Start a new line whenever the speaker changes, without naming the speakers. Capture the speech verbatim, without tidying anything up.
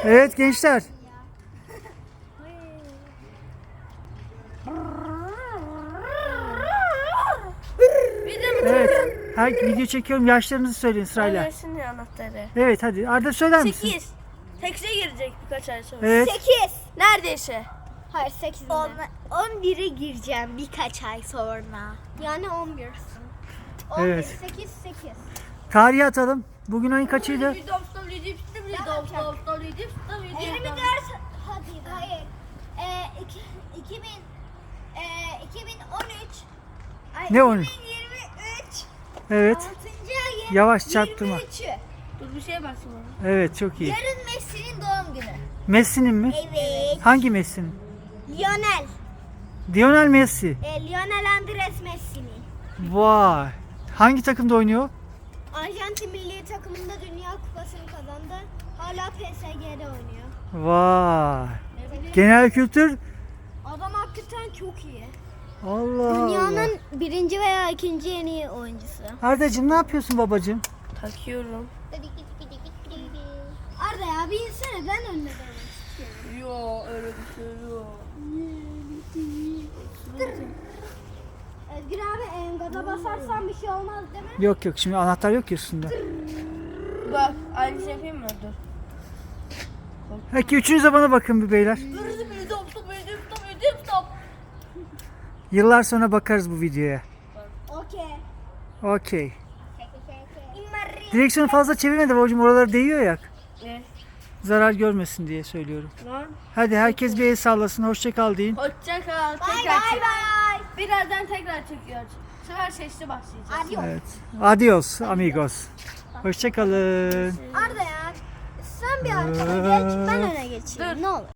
Evet gençler. Evet. Her video çekiyorum. Yaşlarınızı söyleyin sırayla.
Annesinin anahtarı.
Evet hadi. Arda söyler misin?
sekiz. Tekse girecek birkaç ay sonra.
Evet.
sekiz.
Neredeyse.
Hayır sekiz. on bire gireceğim birkaç ay sonra. Yani on birsin. on bir,
Evet.
sekiz, sekiz.
Tarihi atalım. Bugün ayın kaçıydı?
yirmi dört. Hadi hayır. Ee, iki, iki bin, e, iki bin on üç. Ay,
Ne on üç?
iki bin yirmi üç.
Evet.
altıncı ayın
Yavaş çarptırma.
yirmi üçü.
Dur bir şeye baksana.
Evet çok iyi.
Yarın Messi'nin doğum günü.
Messi'nin mi?
Evet.
Hangi Messi'nin?
Lionel.
Lionel Messi.
E, Lionel Andres Messi'nin.
Vay. Hangi takımda oynuyor?
Arjantin milli takımında Dünya Kupası'nı kazandı. Hala P S G'de oynuyor.
Vay. Genel kültür.
Adam hakikaten çok iyi.
Allah Allah.
Dünyanın birinci veya ikinci en iyi oyuncusu.
Ardacığım ne yapıyorsun babacığım?
Takıyorum.
Arda ya bir insene ben önüne demek istiyorum.
Yo öyle bir şey yok.
Özgür abi en gaza basarsan bir şey olmaz değil mi?
Yok yok şimdi anahtar yok ya üstünde.
Bak aynı şey yapayım mı? Dur.
Peki üçünüz de bana bakın bir beyler.
Dur bir stop stop ödüm stop ödüm stop.
Yıllar sonra bakarız bu videoya.
Okey.
Okey. Direksiyonu fazla çevirme de babacığım oralara değiyor ya.
Ne?
Zarar görmesin diye söylüyorum.
Lan.
Hadi herkes bir el sallasın. Hoşça kal deyin.
Hoşça kal.
Bay
Tekrar
bay
çek.
bay.
Birazdan tekrar çekiyoruz. Bu sefer sesli başlayacağız.
Adios.
Evet. Adios amigos. Hoşça kalın.
Arda ya sen bir arkana geç ben öne geçeyim
Dur.
ne olur.